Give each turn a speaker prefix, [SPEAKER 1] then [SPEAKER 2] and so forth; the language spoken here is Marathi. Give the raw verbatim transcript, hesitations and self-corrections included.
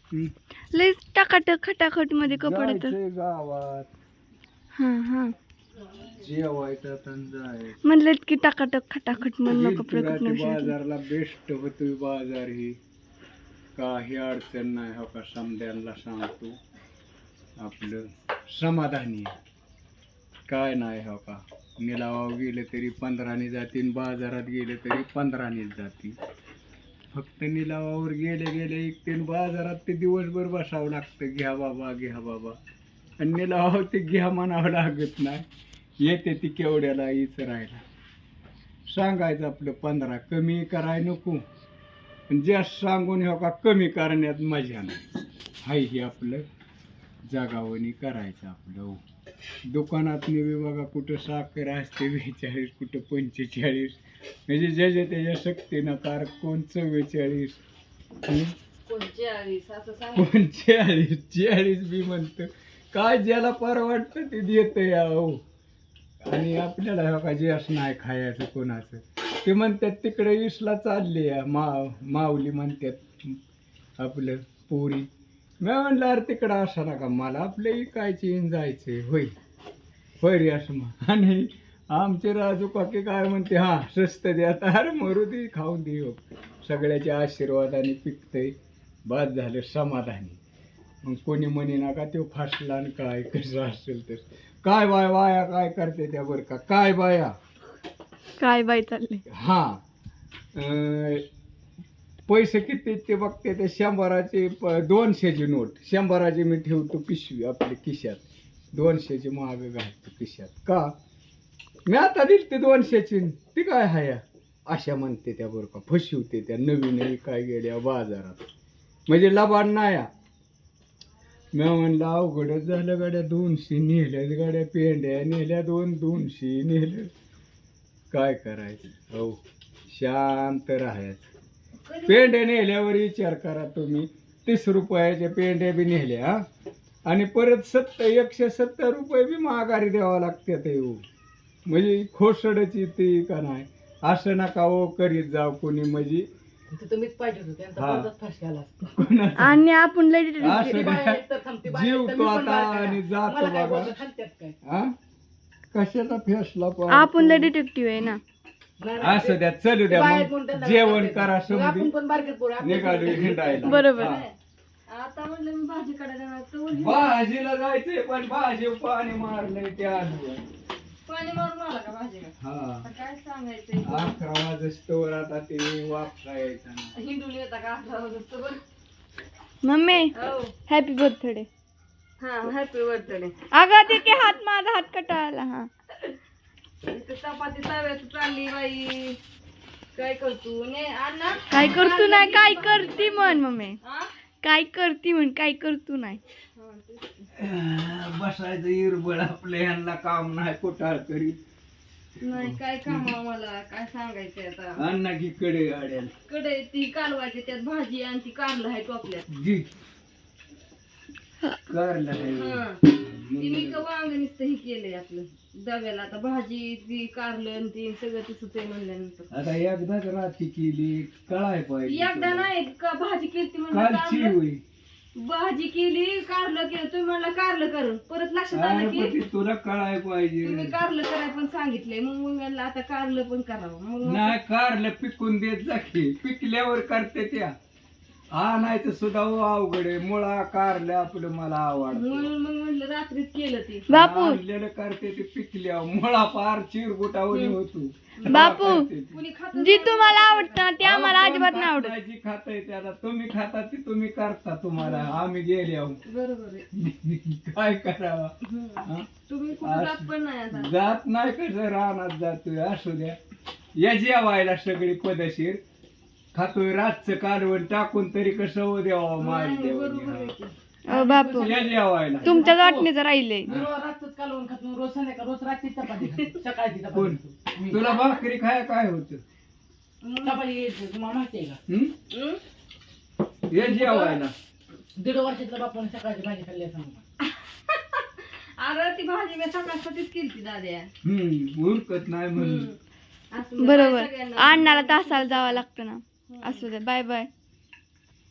[SPEAKER 1] लय टाकाटक खटाखट मध्ये कपडे तर
[SPEAKER 2] जायचंय गावात
[SPEAKER 1] हा हा
[SPEAKER 2] जेवायचं आता जायचं
[SPEAKER 1] म्हणलं की टाकाटक खटाखट मधनं
[SPEAKER 2] गेलतो
[SPEAKER 1] कपडे
[SPEAKER 2] रात्री
[SPEAKER 1] कुठनं
[SPEAKER 2] बाजारला बेस्ट होतोय बाजार ही काही अडचण नाही हो का समद्यांना सांगतो आपलं समाधानी आहे. काय नाही हो का निलावावर गेले तरी पंधराने जातील बाजारात गेले तरी पंधरानेच जातील फक्त निलावावर गेले गेले एक तीन बाजारात ते दिवसभर बसावं लागतं घ्या बाबा घ्या बाबा आणि निलावावर ते घ्या म्हणावं लागत नाही येते ती केवढ्याला हीच राहिला सांगायचं आपलं पंधरा कमी कराय नको जास्त सांगून हो का कमी करण्यात मजा नाही हाय हे आपलं जागावणी करायचं आपलं दुकानात नेवे बघा कुठं साखर असते बेचाळीस कुठं पंचेचाळीस म्हणजे ज्याच्या त्याच्या शक्तीनं कार कोण चव्वेचाळीस कोण चाळीस चाळीस बी म्हणतं काय ज्याला परवडतं ते देतं या हो आणि आपल्याला हो का जास्त नाही खायचं कोणाचं ते म्हणतात तिकडे इसला चालले या मा माऊली म्हणतात आपलं पोरी मी म्हणलं अरे तिकडं असं नका मला आपल्या इकायची इन जायचंय होय होय रे असं मग आणि आमचे राजू काकी काय म्हणते हा स्वस्त द्या तर मरू दे खाऊन दे हो सगळ्याच्या आशीर्वादाने पिकतंय बाद झालं समाधानी मग कोणी म्हणे नका तो फासला आणि काय कसं असेल तर काय बाय बाया काय करते त्या बरं का काय बाया
[SPEAKER 1] काय बाई चालले
[SPEAKER 2] हा अं, पैसे किती ते बघते ते शंभराचे प- दोनशेची नोट शंभराची मी ठेवतो पिशवी आपल्या खिशात दोनशेची माग घालतो खिशात का मी आता दिली ते दोनशेची ती काय हाया अशा म्हणते त्या बरं का फसवते त्या नवीन काय गेल्या बाजारात म्हणजे लबाड नाया मी म्हणलं अवघडच झालं गाड्या दोनशे नेल्याच गाड्या पेंड्या नेल्या दोन दोनशे नेलं काय करायचं हो शांत राहायचं पेंड्या नेल्यावर विचार करा तुम्ही तीस रुपयाच्या पेंड्या बी नेल्या हा आणि परत सत्तर एकशे सत्तर रुपये बी माघारी द्यावा लागते ते हो म्हणजे खोसडच येते का नाही असं नका हो करीत जाऊ कोणी म्हणजे
[SPEAKER 3] तुम्हीच पाहिजे होते
[SPEAKER 2] हा.
[SPEAKER 3] फसक्याला
[SPEAKER 1] आणि आपण लय
[SPEAKER 2] असं नाही. जीव तो आता आणि जातो बाबा हा कशाचा फेसला पण
[SPEAKER 1] आपण लय डिटेक्टिव्ह आहे ना
[SPEAKER 2] असं द्या चलू द्या मग जेवण करा समधी निघालो हिंडायला
[SPEAKER 1] बरोबर.
[SPEAKER 2] हा.
[SPEAKER 4] आता म्हणलं मी भाजी काढायला जाणार तर
[SPEAKER 2] भाजीला जायचंय पण भाजी पाणी मारलंय त्या
[SPEAKER 4] पाणी मारून आला का भाजीला
[SPEAKER 2] हा
[SPEAKER 4] आता काय सांगायचंय
[SPEAKER 2] अकरा वाजस्तोवर आता ते वापसा यायचा ना
[SPEAKER 4] हिंडून येता का अठरा वाजता बरं
[SPEAKER 1] मम्मी
[SPEAKER 4] हो
[SPEAKER 1] हॅपी बर्थडे
[SPEAKER 4] हा हॅपी बर्थडे
[SPEAKER 1] अगं ते की हात माझा हात कटाळला हा
[SPEAKER 4] इथं चपाती तव्यात चालली बाई काय करतो ने अण्णा
[SPEAKER 1] काय करतो नाही काय करती म्हण मम्मी
[SPEAKER 4] हा?
[SPEAKER 1] काय करती म्हण काय करतो नाही
[SPEAKER 4] हा, तेच की.
[SPEAKER 2] बसायचं इरबळ आपल्या यांना काम नाही कोटाळ करीत
[SPEAKER 4] नाही काय काम मला काय सांगायचंय आता
[SPEAKER 2] अण्णा की कडे गाड्या
[SPEAKER 4] कडे ती कालवायची त्यात भाजी आणि ती कारलं आहे टोपल्यात
[SPEAKER 2] जी कारला
[SPEAKER 4] हा ती मी का वांग नुसतं हे केलंय आपलं डब्याला आता भाजी ती कारलं आणि ती सगळं तसंच आहे म्हणल्यानंतर
[SPEAKER 2] आता एकदाच राती केली कळाय पाहिजे
[SPEAKER 4] एकदा नाही का भाजी केली
[SPEAKER 2] कालची
[SPEAKER 4] म्हणलं
[SPEAKER 2] होई
[SPEAKER 4] भाजी केली कारलं केलं तुम्ही म्हणला कारलं करून परत लक्षात आलं
[SPEAKER 2] अरे पण
[SPEAKER 4] की
[SPEAKER 2] ते तुला कळाय पाहिजे
[SPEAKER 4] तुम्ही कारलं करायला पण सांगितलंय मग मग म्हणलं आता कारलं पण करावं मग
[SPEAKER 2] नाही कारलं पिकून देत जा की पिकल्यावर करते त्या आणायचं सुद्धा हो अवघड आहे मुळा कारलं आपलं मला आवडतं
[SPEAKER 4] म्हणून मग म्हणलं रात्रीच केलं ते
[SPEAKER 1] बापू
[SPEAKER 2] आणलेलं करते ते पिकल्यावर मुळा पार चिरगुटावली होतो
[SPEAKER 1] बापू
[SPEAKER 2] करते ती.
[SPEAKER 4] कुणी खात
[SPEAKER 1] जी तुम्हाला आवडतं ना ते
[SPEAKER 2] अहो,
[SPEAKER 1] आम्हाला
[SPEAKER 2] कोण
[SPEAKER 1] अजिबात नाही
[SPEAKER 2] खात
[SPEAKER 1] आवडत
[SPEAKER 2] नाही, जी खाता ते आता तुम्ही खाता ती तुम्ही करता तुम्हाला आम्ही गेले
[SPEAKER 4] बरोबर आहे
[SPEAKER 2] काय करावा
[SPEAKER 4] हम्म.
[SPEAKER 2] हा?
[SPEAKER 4] तुम्ही कुठं जात पण नाही आता
[SPEAKER 2] जात नाही कसं रानात जातोय असू द्या या जेवायला सगळी पदशीर खातोय रातचं कालवण टाकून तरी कसं हो द्यावा मारी
[SPEAKER 4] नाही, बरोबर आहे
[SPEAKER 2] द्यावा
[SPEAKER 4] की.
[SPEAKER 1] अ, बापू
[SPEAKER 2] या जेवायला
[SPEAKER 1] तुमच्या वाटणीचं राहिलंय
[SPEAKER 3] रोज रातच कालवून खात नाही, रोज संध्याकाळ रोज रात्री चपाती खाते. सकाळची
[SPEAKER 2] कोण
[SPEAKER 3] चपाती मी.
[SPEAKER 2] तुला भाकरी खाय काय होत
[SPEAKER 3] चपाती यायची, तुम्हाला माहिती आहे का
[SPEAKER 4] हम्म?
[SPEAKER 2] या जेवायला
[SPEAKER 3] दीड वर्षातल्या बापाने सकाळची भाजी खाल्ली असं म्हणतात.
[SPEAKER 4] अरे ती भाजी मी सकाळसाठीच केली ती दाद्या
[SPEAKER 2] हम्म उरकत नाही म्हणून
[SPEAKER 4] असं म्हणजे
[SPEAKER 1] बरोबर
[SPEAKER 4] सगळ्यांना-
[SPEAKER 1] अण्णाला तासाला जावं लागतं ना असू दे बाय बाय